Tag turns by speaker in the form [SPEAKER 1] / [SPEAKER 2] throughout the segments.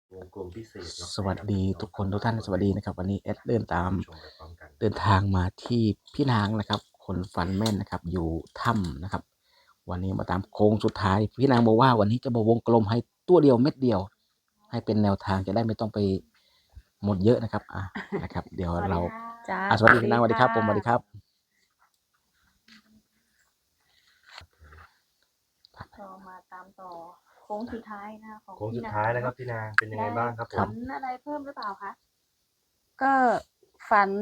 [SPEAKER 1] วงกลมพิเศษเนาะ
[SPEAKER 2] สวัสดีทุกคนทุกท่านสวัสดีนะครับวันนี้เอสเดินทางมาที่พี่นางนะครับคนฝันแม่นนะครับอยู่ถ้ำนะครับวันนี้มาตามโค้งสุดท้ายพี่นางบอกว่าวันนี้จะบอกวงกลมให้ตัวเดียวเม็ดเดียว ให้เป็นแนวทางจะได้ไม่ต้องไปหมดเยอะนะครับนะครับ เดี๋ยวเราสวัสดีพี่นางสวัสดีครับผมสวัสดีครับ
[SPEAKER 3] ก็มาตามต่อโค้งสุดท้ายนะของ
[SPEAKER 1] โค้งสุดท้ายแล้วครับพี่นางเป็นยังไงบ้างครับผม
[SPEAKER 3] ฝันอะไรเพิ่มหรือเปล่าคะ
[SPEAKER 4] ก็ฝัน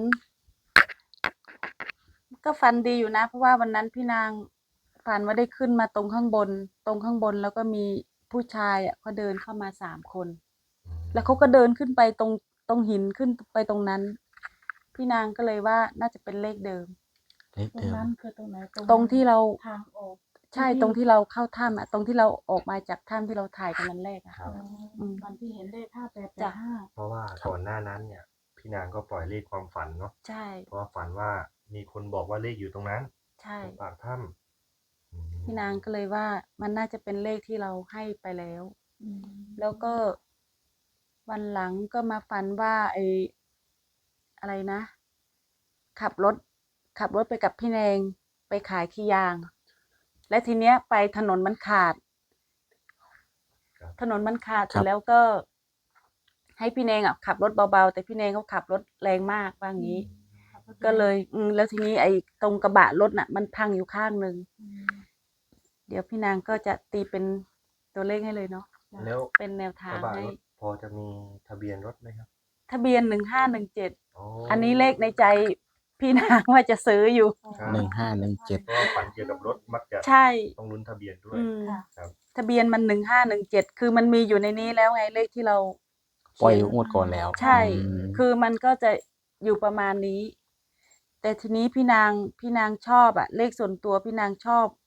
[SPEAKER 4] ก็ฝันดีอยู่นะเพราะว่าวันนั้นพี่นางฝันว่าได้ขึ้นมาตรงข้างบนแล้วก็มีผู้ชายเขาเดินเข้ามา3 คน แล้วเขาก็เดินขึ้นไปตรงหินขึ้นไปตรงนั้น พี่นางก็เลยว่าน่าจะเป็นเลขเดิม
[SPEAKER 3] ตรงนั้นคือตรงไหน
[SPEAKER 4] ตรงที่เรา
[SPEAKER 3] ทางออก
[SPEAKER 4] ใช่ตรงที่เราเข้าถ้ำตรงที่เราออกมาจากถ้ำที่เราถ่ายกันนั้นแรก
[SPEAKER 3] วันที่เห็นเลข5885
[SPEAKER 1] เพราะว่าก่อนหน้านั้นเนี่ยพี่นางก็ปล่อยเลขความฝันเนาะ
[SPEAKER 4] ใช่
[SPEAKER 1] เพราะว่าฝันว่ามีคนบอกว่าเลขอยู่ตรงนั้น
[SPEAKER 4] ใช่
[SPEAKER 1] ปากถ้
[SPEAKER 4] ำพี่นางก็เลยว่ามันน่าจะเป็นเลขที่เราให้ไปแล้วแล้วก็วันหลังก็มาฝันว่าอะไรนะ ขับรถไปกับพี่แนงไปขายขี้ยาง และทีเนี้ยไปถนนมันขาดเสร็จแล้วก็ให้พี่แนงขับรถเบาๆแต่พี่แนงเขาขับรถแรงมากว่างี้ก็เลยแล้วทีนี้ตรงกระบะรถน่ะมันพังอยู่ข้างนึงเดี๋ยวพี่นางก็จะตีเป็นตัวเลขให้เลยเนาะ
[SPEAKER 1] แล้ว
[SPEAKER 4] เป็นแนวทางให้
[SPEAKER 1] พอจะมีทะเบียนรถไหมครับ
[SPEAKER 4] ทะเบียน1517อันนี้เลขในใจพี่นางว่าจะซื้ออยู่
[SPEAKER 2] 1517
[SPEAKER 1] เพราะฝันเกี่ยวกับรถมักจะ
[SPEAKER 4] ใช่
[SPEAKER 1] ต้องลุ้นทะเบียนด้วย
[SPEAKER 4] ครับทะเบียนมัน1517คือมันมีอยู่ในนี้แล้วไงเลขที่เรา
[SPEAKER 2] ปล่อยงวดก่อนแล้ว
[SPEAKER 4] ใช่คือมันก็จะอยู่ประมาณนี้แต่ทีนี้พี่นางชอบเลขส่วนตัวพี่นางชอบ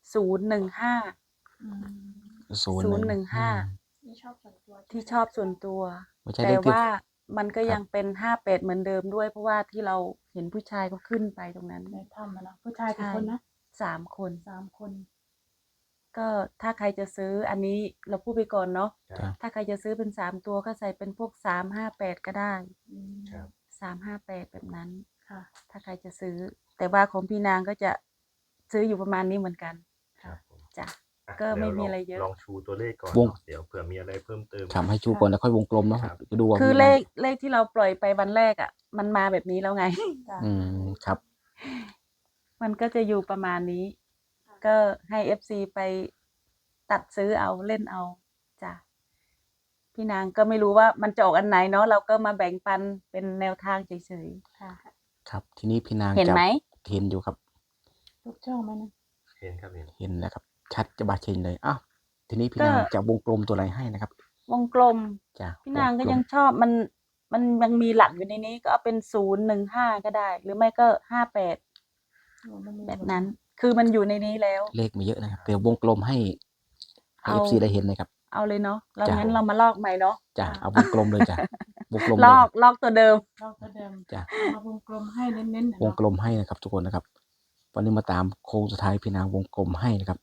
[SPEAKER 4] 015ที่ชอบส่วนตัวแต่ว่ามันก็ยังเป็น58เหมือนเดิมด้วยเพราะว่าที่เราเห็นผู้ชายเขาขึ้นไปตรงนั้น
[SPEAKER 3] ในถ้ำนะผู้ชายกี่คนนะ
[SPEAKER 4] 3 คน
[SPEAKER 3] 3 คน
[SPEAKER 4] ก็ถ้าใครจะซื้ออันนี้เราพูดไปก่อนเนาะถ้าใครจะซื้อเป็น3 ตัวก็ใส่เป็นพวก358ก็ได้358แบบนั้นถ้าใครจะซื้อแต่ว่าของพี่นางก็จะซื้ออยู่ประมาณนี้เหมือนกันจ้ะก็ไม่มีอะไรเยอะ
[SPEAKER 1] ลองชูตัวเลขก่อนเดี๋ยวเผื่อมีอะไรเพิ่มเติม
[SPEAKER 2] ทำให้ชูก่อนแล้วค่อยวงกลมเนาะ
[SPEAKER 4] ดูคือเลขที่เราปล่อยไปวันแรกมันมาแบบนี้แล้วไง
[SPEAKER 2] ครับ
[SPEAKER 4] มันก็จะอยู่ประมาณนี้ก็ให้ FC ไปตัดซื้อเอาเล่นเอาจ้ะพี่นางก็ไม่รู้ว่ามันจะออกอันไหนเนาะเราก็มาแบ่งปันเป็นแนวทางเฉยๆค่ะ
[SPEAKER 2] ครับทีนี้พี่นาง
[SPEAKER 4] เห็นไหม
[SPEAKER 2] เห็นอยู่ครับ
[SPEAKER 3] ทุกช่องไหมนะ
[SPEAKER 1] เห็นครับ
[SPEAKER 2] เห็นแล้วครับชัดจะบาเชนเลยทีนี้พี่นางจะวงกลมตัวอะไรให้นะครับ
[SPEAKER 4] วงกลมจ้ะพี่นางก็ยังชอบมันยังมีหลักอยู่ในนี้ก็เอาเป็น015ก็ได้หรือไม่ก็58แบบนั้นคือมันอยู่ในนี้แล้ว
[SPEAKER 2] เลขไม่เยอะนะครับเดี๋ยววงกลมให้FC ได้เห็นเลยครับ
[SPEAKER 4] เอาเลยเนาะแล้วงั้นเรามาลอกใหม่เนาะ
[SPEAKER 2] จ้ะเอาวงกลมเลยจ้ะวงกลม
[SPEAKER 4] ลอกตัวเดิม
[SPEAKER 2] จ้ะ
[SPEAKER 3] มาวงกลมให้เน้น
[SPEAKER 2] ๆวงกลมให้นะครับทุกคนนะครับวันนี้มาตามโค้งสุดท้ายพี่นางวงกลมให้นะครับ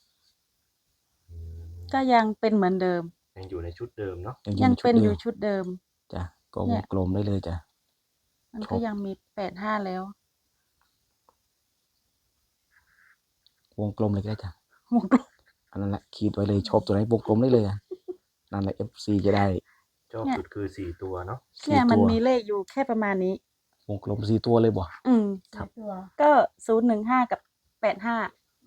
[SPEAKER 4] ก็ยังเป็นเหมือนเดิม
[SPEAKER 1] ยังอยู่ในชุดเดิมเนาะ
[SPEAKER 4] ยังเป็นอยู่ชุดเดิม
[SPEAKER 2] จ้ะก็วงกลมได้เลยจ้ะ
[SPEAKER 4] มันก็ยังมี85แล้ว
[SPEAKER 2] วงกลมเลยก็ได้จ้ะ
[SPEAKER 4] วงกลม
[SPEAKER 2] อันนั้นแหละขีดไว้เลยชอบตัวไหนวงกลมได้เลยนั่นแหละ FC จะได้
[SPEAKER 1] ชอบสุดคือ4 ตัวเนาะ
[SPEAKER 4] เนี่ยมันมีเลขอยู่แค่ประมาณนี้
[SPEAKER 2] วงกลม4 ตัวเลยบ่
[SPEAKER 4] ครับก็015กับ85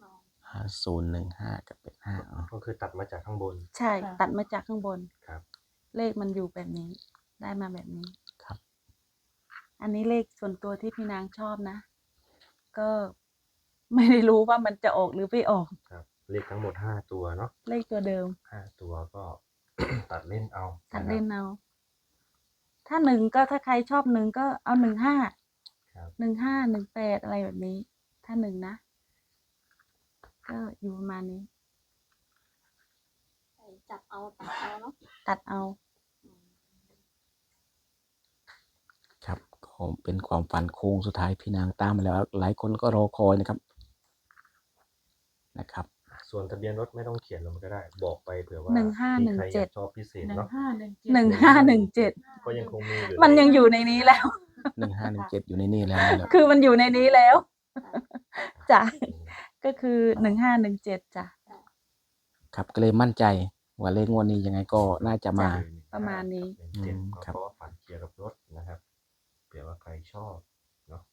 [SPEAKER 2] 015กับ85
[SPEAKER 1] ก็คือตัดมาจากข้างบน
[SPEAKER 4] ใช่ตัดมาจากข้างบน
[SPEAKER 1] ครับ
[SPEAKER 4] เลขมันอยู่แบบนี้ได้มาแบบนี้
[SPEAKER 2] ครับ
[SPEAKER 4] อันนี้เลขส่วนตัวที่พี่นางชอบนะก็ไม่ได้รู้ว่ามันจะออกหรือไม่ออก
[SPEAKER 1] ครับเลขทั้งหมด5 ตัวเนาะ
[SPEAKER 4] เลขตัวเดิม
[SPEAKER 1] 5 ตัวก็ ตัดเล่นเอา
[SPEAKER 4] ถ้า1ก็ถ้าใครชอบ1ก็เอา15 18อะไรแบบนี้ถ้า1นะก็อยู่ประมาณนี้
[SPEAKER 3] จับเอาตัดเอาเนาะ
[SPEAKER 4] ตัดเอา
[SPEAKER 2] ครับก็เป็นความฝันโค้งสุดท้ายพี่นางตามมาแล้วหลายคนก็รอคอยนะครับ
[SPEAKER 1] ส่วนทะเบียนรถไม่ต้องเขียนลงก็ได้ บอกไปเผื่อว่า
[SPEAKER 4] 1517
[SPEAKER 1] มีใครอยากชอบพิเศษเนาะ
[SPEAKER 4] 1517
[SPEAKER 1] ก็ยังคงมีอยู่
[SPEAKER 4] มันยังอยู่ในนี้แล้ว
[SPEAKER 2] 1517อยู่ในนี่แล้วนี่แหละ
[SPEAKER 4] คือมันอยู่ในนี้แล้วจ้ะก็คือ1517จ้ะ
[SPEAKER 2] ครับก็เลยมั่นใจว่าเลขงวดนี้ยังไงก็น่าจะมา
[SPEAKER 4] ประมาณนี้
[SPEAKER 1] เจ็ด
[SPEAKER 2] ครับ
[SPEAKER 1] เพราะว่าฝันเกี่ยวกับรถนะครับเผื่อว่าใครชอบเนาะ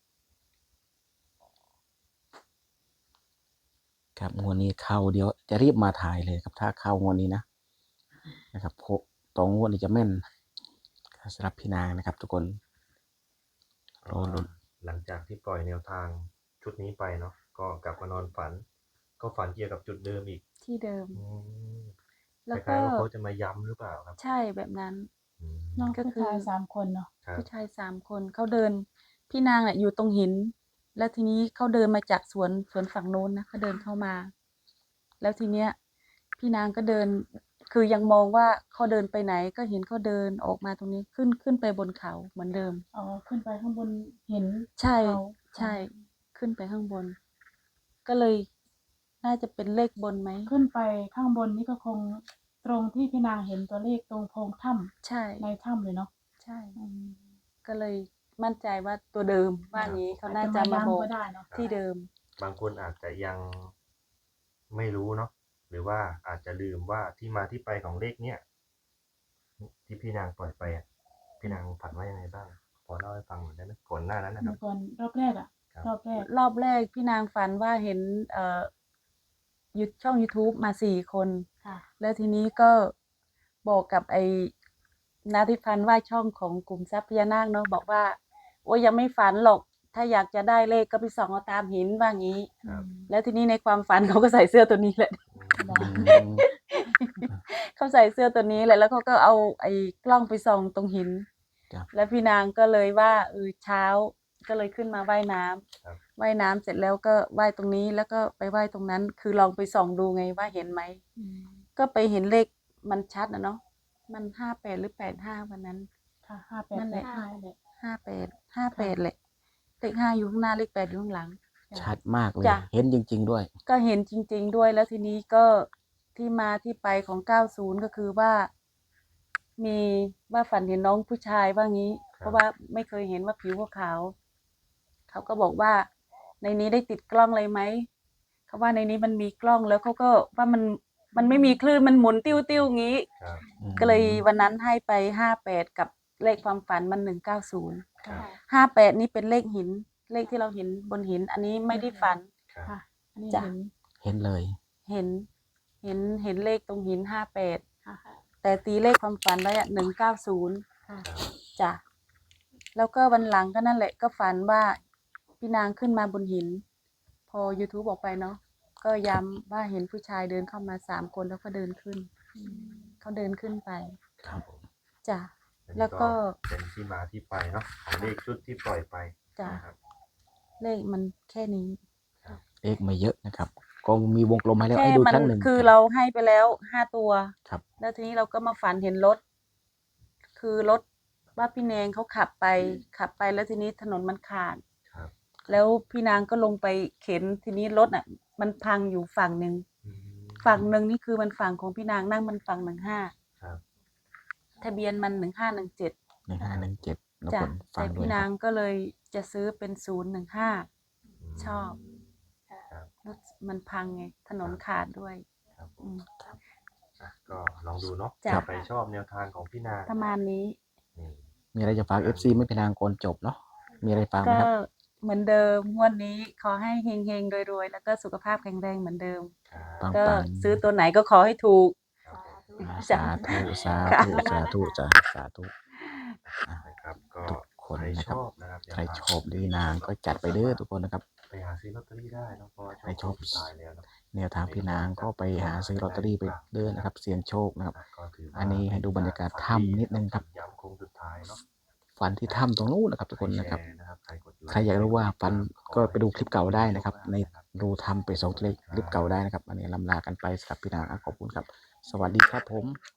[SPEAKER 2] ครับงวดนี้เข้าเดี๋ยวจะรีบมาถ่ายเลยครับถ้าเข้างวดนี้นะครับโคตองงวดนี้จะแม่นสำหรับพี่นางนะครับ ทุกคนรอลุ้น
[SPEAKER 1] หลังจากที่ปล่อยแนวทางชุดนี้ไปเนาะก็กลับมานอนฝัน ก็ฝันเกี่ยวกับจุดเดิมอีก
[SPEAKER 4] ที่เดิม
[SPEAKER 1] อืม
[SPEAKER 4] แล้ว
[SPEAKER 1] คล้ายๆ
[SPEAKER 4] ก็
[SPEAKER 1] ว่าเขาจะมาย้ำหรือเปล่าครับ
[SPEAKER 4] ใช่แบบนั้น
[SPEAKER 1] อืม
[SPEAKER 3] น้อง
[SPEAKER 4] ก็
[SPEAKER 3] ก็
[SPEAKER 4] คือ
[SPEAKER 3] คือ3 คนเนาะ
[SPEAKER 1] ครับ
[SPEAKER 4] ผู้ชาย3 คนเขาเดิน พี่นางน่ะอยู่ตรงหิน แล้วทีนี้เขาเดินมาจากสวนฝั่งโน้นนะเขาเดินเข้ามา แล้วทีเนี้ย พี่นางก็เดิน คือยังมองว่าเขาเดินไปไหน ก็เห็นเขาเดินออกมาตรงนี้ขึ้นไปบนเขาเหมือนเดิม
[SPEAKER 3] อ๋อขึ้นไปข้างบนเห็น
[SPEAKER 4] ใช่
[SPEAKER 3] เขา
[SPEAKER 4] ใช่ ขึ้นไปข้างบน ก็เลยน่าจะเป็นเลขบนไหม
[SPEAKER 3] ขึ้นไปข้างบนนี่ก็คงตรงที่พี่นางเห็นตัวเลขตรงโพรงถ้
[SPEAKER 4] ใช่
[SPEAKER 3] ำในถ้ำเลยเนาะ
[SPEAKER 4] ใช่ ก็เลยมั่นใจว่าตัวเดิมว่างี้เขาน่าจะ
[SPEAKER 3] อาจ
[SPEAKER 4] มาบอก
[SPEAKER 3] ย้ำก็ได้เนาะ
[SPEAKER 4] ที่เดิม
[SPEAKER 1] บางคนอาจจะยังไม่รู้เนาะหรือว่าอาจจะลืมว่าที่มาที่ไปของเลขเนี้ยที่พี่นางปล่อยไปอ่ะพี่นางฝันว่ายังไงบ้างพอเล่าให้ฟังหน่อยได้ไหมก่อนหน้านั้นนะค
[SPEAKER 3] เมื่
[SPEAKER 1] รับ
[SPEAKER 3] อก่อนรอบแรกอะ
[SPEAKER 1] ครับ
[SPEAKER 3] รอบแรก
[SPEAKER 4] รอบแรกพี่นางฝันว่าเห็นช่อง YouTube มา4 คน
[SPEAKER 3] ค่ะ
[SPEAKER 4] แล้วทีนี้ก็บอกกับไอ้นาทิพันธ์ว่าช่องของกลุ่มทรัพย์พญานาคเนาะบอกว่า โอ้ยยังไม่ฝันหรอก ถ้าอยากจะได้เลขก็ไปส่องเอาตามหินว่างี้
[SPEAKER 1] ครับ
[SPEAKER 4] แล้วทีนี้ในความฝันเขาก็ใส่เสื้อตัวนี้แหละ
[SPEAKER 3] บอก
[SPEAKER 4] เขาใส่เสื้อตัวนี้แหละแล้วเขาก็เอาไอ้กล้องไปส่องตรงหิน
[SPEAKER 2] ครับ
[SPEAKER 4] แล้วพี่นางก็เลยว่าเช้าก็เลยขึ้นมาว่ายน้ำ
[SPEAKER 1] ครับ
[SPEAKER 4] ว่ายน้ำเสร็จแล้วก็ว่ายตรงนี้แล้วก็ไปว่ายตรงนั้น คือลองไปส่องดูไงว่าเห็นไหม ก็ไปเห็นเลขมันชัดนะเนาะ มัน58หรือ85วันนั้น
[SPEAKER 3] ค่ะ58
[SPEAKER 4] นั่นแหละ
[SPEAKER 3] 5เลย
[SPEAKER 4] 58เลยเลข5อยู่ข้างหน้าเลข8อยู่ข้างหลัง
[SPEAKER 2] ชัดมากเลย
[SPEAKER 4] จ้ะ
[SPEAKER 2] เห็นจริง ๆ ด้วย
[SPEAKER 4] ก็เห็นจริง ๆ ด้วยแล้วทีนี้ก็ที่มาที่ไปของ90ก็คือว่า มีว่าฝันเห็นน้องผู้ชายว่างี้ เพราะว่าไม่เคยเห็นว่าผิวขาวๆเขาก็บอกว่า ในนี้ได้ติดกล้องอะไรไหมเขาว่าในนี้มันมีกล้องแล้วเขาก็ว่ามันไม่มีคลื่นมันหมุนติ้วๆงี้
[SPEAKER 1] ครับ
[SPEAKER 4] ก็เลยวันนั้นให้ไป58กับเลขความฝันมัน190
[SPEAKER 1] ครับ
[SPEAKER 4] 58นี่เป็นเลขหิน เลขที่เราเห็นบนหิน อันนี้ไม่ได้ฝัน
[SPEAKER 1] ครับ
[SPEAKER 3] ค่ะ อันนี้
[SPEAKER 4] จ้ะ
[SPEAKER 3] เห็น
[SPEAKER 2] เห็นเลย
[SPEAKER 4] เห็นเลขตรงหิน58
[SPEAKER 3] ค่ะ
[SPEAKER 4] แต่ตีเลขความฝันไว้อะ190
[SPEAKER 3] ค่ะ
[SPEAKER 4] จ้ะแล้วก็วันหลังก็นั่นแหละก็ฝันว่าพี่นางขึ้นมาบนหิน พอ YouTube ออกไปเนาะก็ย้ำว่าเห็นผู้ชายเดินเข้ามา3 คนแล้วก็เดินขึ้น เขาเดินขึ้นไป
[SPEAKER 2] ครับ
[SPEAKER 4] จ้ะ
[SPEAKER 1] อันนี้
[SPEAKER 4] แล้วก็
[SPEAKER 1] เป็นที่มาที่ไปเนาะของเลขชุดที่ปล่อยไป
[SPEAKER 4] จ้ะ
[SPEAKER 1] นะครับ
[SPEAKER 4] เลขมันแค่นี้
[SPEAKER 2] เลขไม่เยอะนะครับก็มีวงกลมให้แล้ว
[SPEAKER 4] แค่
[SPEAKER 2] ให้ดู
[SPEAKER 4] มั
[SPEAKER 2] ครั้งหนึ่ง
[SPEAKER 4] คือเราให้ไปแล้ว5 ตัว
[SPEAKER 2] ครับ
[SPEAKER 4] แล้วทีนี้เราก็มาฝันเห็นรถ คือรถว่าพี่แนงเขาขับไปแล้วทีนี้ถนนมันขาด
[SPEAKER 1] ครับ
[SPEAKER 4] แล้วพี่นางก็ลงไปเข็นทีนี้รถอ่ะ มันพังอยู่ฝั่งหนึ่ง
[SPEAKER 1] อืม
[SPEAKER 4] ฝั่งหนึ่งนี่คือมันฝั่งของพี่นางนั่งมันฝั่ง15
[SPEAKER 1] ครับ
[SPEAKER 4] ทะเบียนมัน1517
[SPEAKER 2] 1517แล้ว
[SPEAKER 4] จ้ะ
[SPEAKER 2] คนฟั
[SPEAKER 4] แต่
[SPEAKER 2] งด้วย
[SPEAKER 4] พี่
[SPEAKER 2] นะ
[SPEAKER 4] นา
[SPEAKER 2] ค
[SPEAKER 4] ง
[SPEAKER 2] รับ
[SPEAKER 4] ก็เลยจะซื้อเป็น015 ชอบ
[SPEAKER 1] ครับ
[SPEAKER 4] รถมันพังไงถนนขาดด้วย
[SPEAKER 1] ครับผ
[SPEAKER 4] อื
[SPEAKER 1] ม
[SPEAKER 4] ม
[SPEAKER 1] อ่ะก็ลองดูเนาะ
[SPEAKER 4] จ้ะ
[SPEAKER 1] ใครชอบแนวทางของพี่นาง
[SPEAKER 4] ประมาณนี้
[SPEAKER 1] นี่
[SPEAKER 2] มีอะไรจะฝาก FC ไม่เป็นทางก่อนจบเนาะมีอะไรฝากไหม
[SPEAKER 4] ก็
[SPEAKER 2] ครับ
[SPEAKER 4] เหมือนเดิมงวดนี้ขอให้เฮงๆรวยๆแล้วก็สุขภาพแข็งแรงเหมือนเดิม
[SPEAKER 1] ครับ
[SPEAKER 2] ปัง
[SPEAKER 4] ก็
[SPEAKER 2] ปัง
[SPEAKER 4] ซื้อตัวไหนก็ขอให้ถูก
[SPEAKER 1] ครับผม
[SPEAKER 4] จ้ะ
[SPEAKER 2] สาธุสา
[SPEAKER 4] ค่ะ
[SPEAKER 2] ธุสาธุจ้ะสาธุ
[SPEAKER 1] นะครับก็
[SPEAKER 2] ทุกคน
[SPEAKER 1] ใคร
[SPEAKER 2] นะ
[SPEAKER 1] ช
[SPEAKER 2] ครับ
[SPEAKER 1] อบนะครับ
[SPEAKER 2] ใครชอบดีนางก็จัดไปเด้อทุกคนนะครับ
[SPEAKER 1] ไปหาซื้อลอตเตอรี่ได้เนอะเพราะว่า
[SPEAKER 2] ใครชอบ
[SPEAKER 1] สุดท้ายแล้วเนอะ
[SPEAKER 2] แนวทางพี่นางก็ไปหาซื้อลอตเตอรี่ไปเด้อนะครับ เสี่ยงโชคนะครับ
[SPEAKER 1] ก็ถืว่า
[SPEAKER 2] อันนี้ให้ดูบรรยากาศถ้ำนิดนึงครับ
[SPEAKER 1] ย้ำโค้งสุดท้ายเนาะ
[SPEAKER 2] ฝันที่ถ้ำตรงนู้นนะครับ ทุกคนนะครับ
[SPEAKER 1] ใแชนะครับใครกดไลค์
[SPEAKER 2] ใครอยากรู้ว่าฝันก็ไปดูคลิปเก่าได้นะครับ ในดูทำไป2 คลิปเก่าได้นะครับ อันนี้ลำลากันไปสำหรับพี่นางขอบคุณครับ สวัสดีครับผม